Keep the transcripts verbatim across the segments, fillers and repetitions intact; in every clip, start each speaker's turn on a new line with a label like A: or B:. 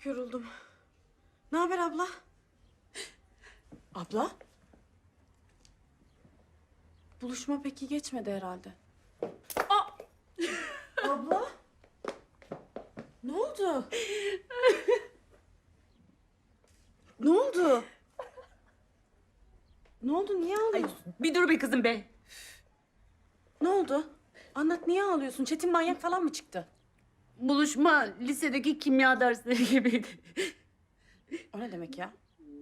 A: Çok yoruldum. Ne haber abla? Abla? Buluşma peki geçmedi herhalde. Aa! Abla? Ne oldu? Ne oldu? Ne oldu? Niye ağlıyorsun?
B: Bir dur be kızım be.
A: Ne oldu? Anlat, niye ağlıyorsun? Çetin manyak falan mı çıktı?
B: Buluşma lisedeki kimya dersleri gibiydi.
A: O ne demek ya?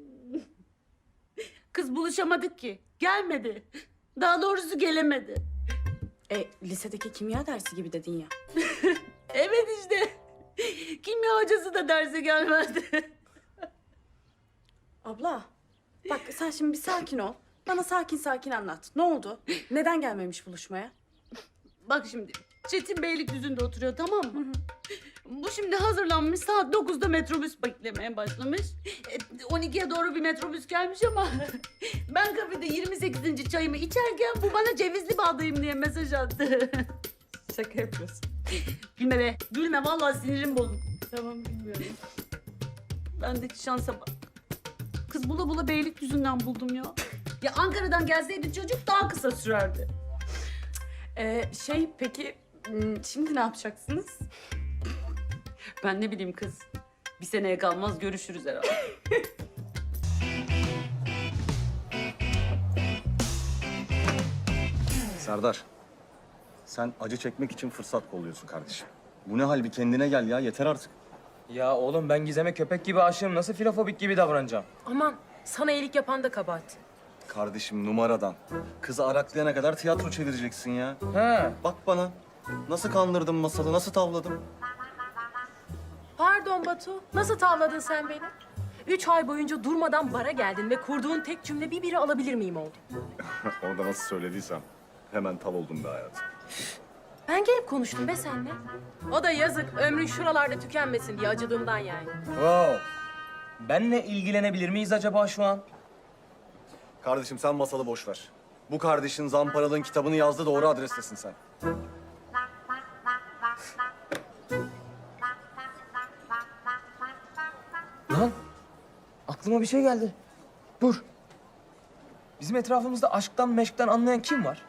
B: Kız buluşamadık ki. Gelmedi. Daha doğrusu gelemedi.
A: E, lisedeki kimya dersi gibi dedin ya.
B: Evet işte. Kimya hocası da derse gelmedi.
A: Abla, bak sen şimdi bir sakin ol. Bana sakin sakin anlat. Ne oldu? Neden gelmemiş buluşmaya?
B: Bak şimdi Çetin Beylikdüzü'nde oturuyor, tamam mı? Bu şimdi hazırlanmış, saat dokuzda metrobüs beklemeye başlamış. E, on ikiye doğru bir metrobüs gelmiş ama ben kafede yirmi sekizinci çayımı içerken bu bana cevizli bağdayım diye mesaj attı.
A: Şaka yapıyorsun.
B: Gülme be, gülme, vallahi sinirim bozuldu.
A: Tamam, bilmiyorum.
B: Bendeki şansa bak. Kız bula bula Beylikdüzü'nden buldum ya. Ya Ankara'dan gelseydi çocuk daha kısa sürerdi.
A: Ee, şey peki, hmm, şimdi ne yapacaksınız?
B: Ben ne bileyim kız. Bir seneye kalmaz görüşürüz herhalde.
C: Serdar, sen acı çekmek için fırsat kolluyorsun kardeşim. Bu ne hal, bir kendine gel ya, yeter artık.
D: Ya oğlum ben Gizem'e köpek gibi aşığım. Nasıl filofobik gibi davranacağım?
E: Aman sana iyilik yapan da kabahat.
C: Kardeşim numaradan. Kızı araklayana kadar tiyatro çevireceksin ya.
D: He.
C: Bak bana, nasıl kandırdım masalı, nasıl tavladım?
E: Pardon Batu, nasıl tavladın sen beni? Üç ay boyunca durmadan bara geldin ve kurduğun tek cümle bir biri alabilir miyim oldu.
C: Onu da nasıl söylediysem, hemen tav oldum be hayatım.
E: Ben gelip konuştum be seninle. O da yazık, ömrün şuralarda tükenmesin diye acıdığımdan yani.
D: Wow. Benle ilgilenebilir miyiz acaba şu an?
C: Kardeşim sen masalı boş ver. Bu kardeşin Zamparalı'nın kitabını yazdı, doğru adrestesin sen.
D: Lan aklıma bir şey geldi. Dur. Bizim etrafımızda aşktan meşkten anlayan kim var?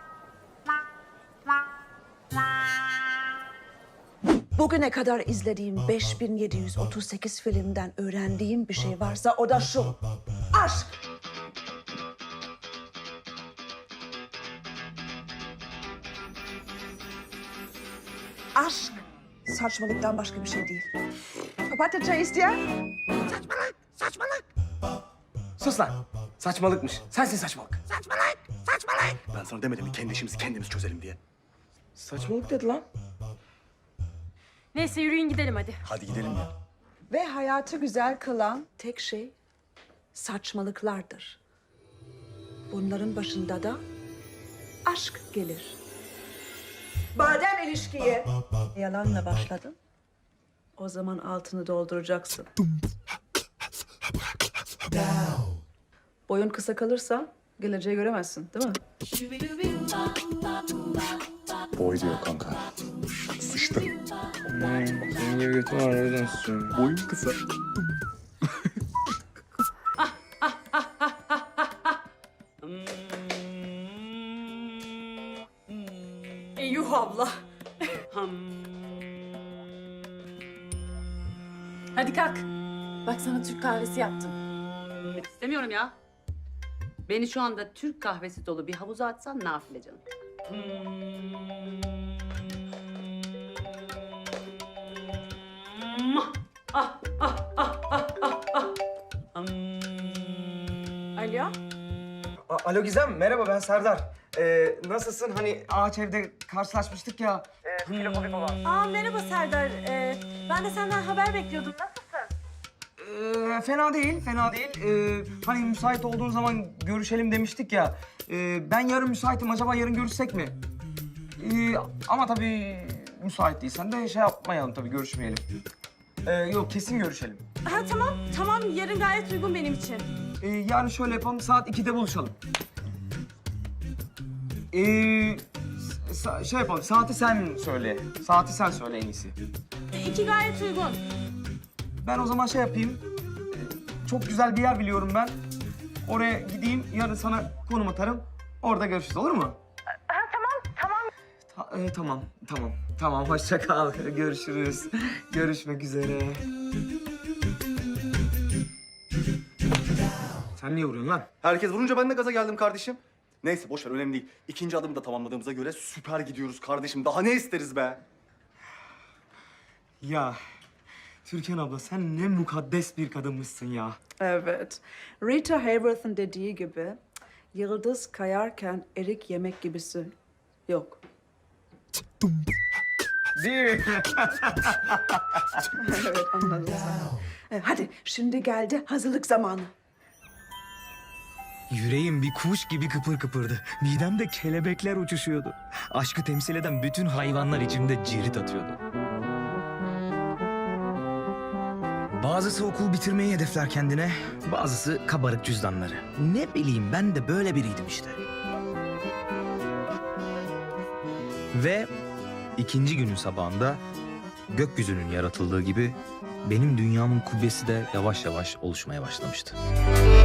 F: Bugüne kadar izlediğim beş bin yedi yüz otuz sekiz filmden öğrendiğim bir şey varsa o da şu. Aşk. Aşk saçmalıktan başka bir şey değil. Papatya çay isteyen?
D: Sus lan. Saçmalıkmış. Sensin saçmalık.
C: Ben sana demedim mi kendi işimizi kendimiz çözelim diye.
D: Saçmalık dedi lan.
E: Neyse yürüyün gidelim hadi.
C: Hadi gidelim ya.
F: Ve hayatı güzel kılan tek şey saçmalıklardır. Bunların başında da aşk gelir. Madem ilişkiye yalanla başladın, o zaman altını dolduracaksın. Boyun kısa kalırsa geleceği göremezsin, değil mi?
C: Boy diyor kanka. Sıçtı.
D: Senin gibi götüm var o yüzden susuyorum.
C: Boyun kısa.
A: Eyüh abla. Hadi kalk. Bak sana Türk kahvesi yaptım.
B: İstemiyorum ya. Beni şu anda Türk kahvesi dolu bir havuza atsan nafile canım. Ah, ah, ah, ah, ah, ah.
A: Alo?
D: A- Alo Gizem, merhaba ben Serdar. Ee, nasılsın? Hani ağaç evde karşılaşmıştık ya. Ee, filofobik olan.
E: Aa merhaba Serdar. Ee, ben de senden haber bekliyordum. Nasılsın?
D: Ee, fena değil, fena değil. Ee, hani müsait olduğun zaman görüşelim demiştik ya. Ee, ben yarın müsaitim, acaba yarın görüşsek mi? Ee, ama tabii müsait değilsen de şey yapmayalım tabii, görüşmeyelim. Ee, yok, kesin görüşelim.
A: Ha tamam, tamam. Yarın gayet uygun benim için.
D: Ee, yani şöyle yapalım, saat ikide buluşalım. Ee, sa- şey yapalım, saati sen söyle. Saati sen söyle en iyisi.
A: İki gayet uygun.
D: ben o zaman şey yapayım. Ee, çok güzel bir yer biliyorum ben. Oraya gideyim, yarın sana konum atarım. Orada görüşürüz, olur mu?
E: Ha, tamam, tamam.
D: Ta- e, tamam, tamam. Tamam, hoşça kal. Görüşürüz. Görüşmek üzere. Sen niye vuruyorsun lan?
C: Herkes vurunca ben de gaza geldim kardeşim. Neyse boş ver önemli değil. İkinci adımı da tamamladığımıza göre süper gidiyoruz kardeşim. Daha ne isteriz be?
D: Ya Türkan abla sen ne mukaddes bir kadınmışsın ya.
F: Evet. Rita Hayworth'ın dediği gibi yıldız kayarken erik yemek gibisi yok.
D: Değil mi?
F: Evet anladım. E, Hadi şimdi geldi hazırlık zamanı.
G: Yüreğim bir kuş gibi kıpır kıpırdı. Midemde kelebekler uçuşuyordu. Aşkı temsil eden bütün hayvanlar içimde cirit atıyordu. Bazısı okul bitirmeyi hedefler kendine, bazısı kabarık cüzdanları. Ne bileyim ben de böyle biriydim işte. Ve ikinci günün sabahında gökyüzünün yaratıldığı gibi benim dünyamın kubbesi de yavaş yavaş oluşmaya başlamıştı.